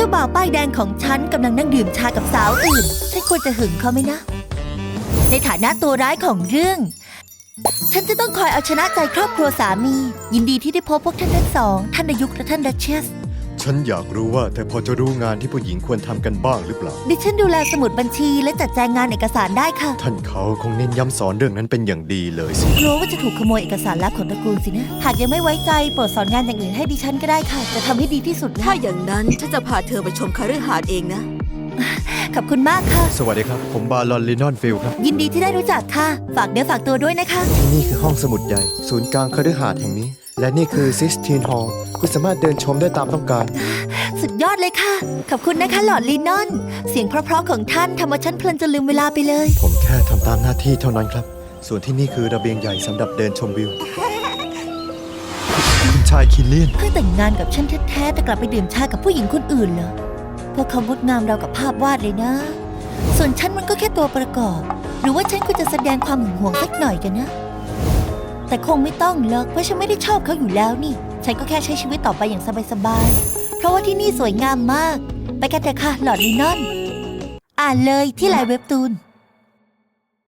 จ้าบ่าวป้ายแดงของฉันกำลังนั่งดื่มชากับสาวอื่นฉันควรจะหึงเขาไหมนะในฐานะตัวร้ายของเรื่องฉันจะต้องคอยเอาชนะใจครอบครัวสามียินดีที่ได้พบพวกท่านทั้งสองท่านนายุกและท่านดัชเชสฉันอยากรู้ว่าเธอพอจะรู้งานที่ผู้หญิงควรทำกันบ้างหรือเปล่าดิฉันดูแลสมุดบัญชีและจัดแจงงานเอกสารได้ค่ะท่านเขาคงเน้นย้ำสอนเรื่องนั้นเป็นอย่างดีเลยสิกลัวว่าจะถูกขโมยเอกสารลับของตระกูลสินะหากยังไม่ไว้ใจโปรดสอนงานอย่างอื่นให้ดิฉันก็ได้ค่ะจะทำให้ดีที่สุดถ้าอย่างนั้นฉันจะพาเธอไปชมคฤหาสน์เองนะขอบคุณมากค่ะสวัสดีครับผมบารอนลินอนฟิลครับยินดีที่ได้รู้จักค่ะฝากเนื้อฝากตัวด้วยนะคะที่นี่คือห้องสมุดใหญ่ศูนย์กลางคฤหาสน์แห่งนี้และนี่คือซิสทีนฮอลล์คุณสามารถเดินชมได้ตามต้องการสุดยอดเลยค่ะขอบคุณนะคะหลอดลินอนเสียงเพราะๆของท่านทำเอาฉันเพลินจนลืมเวลาไปเลยผมแค่ทำตามหน้าที่เท่านั้นครับส่วนที่นี่คือระเบียงใหญ่สำหรับเดินชมวิวคุณชายคินเลียนเพิ่งแต่งงานกับฉันแท้ๆแต่กลับไปดื่มชากับผู้หญิงคนอื่นเหรอพวกเขางดงามเรากับภาพวาดเลยนะส่วนฉันมันก็แค่ตัวประกอบหรือว่าฉันควรจะแสดงความหึงหวงสักหน่อยกันนะแต่คงไม่ต้องหรอกเพราะฉันไม่ได้ชอบเขาอยู่แล้วนี่ฉันก็แค่ใช้ชีวิตต่อไปอย่างสบายๆเพราะว่าที่นี่สวยงามมากไปกันเถอะค่ะหลอดลินอนอ่านเลยที่ไลน์เว็บตูน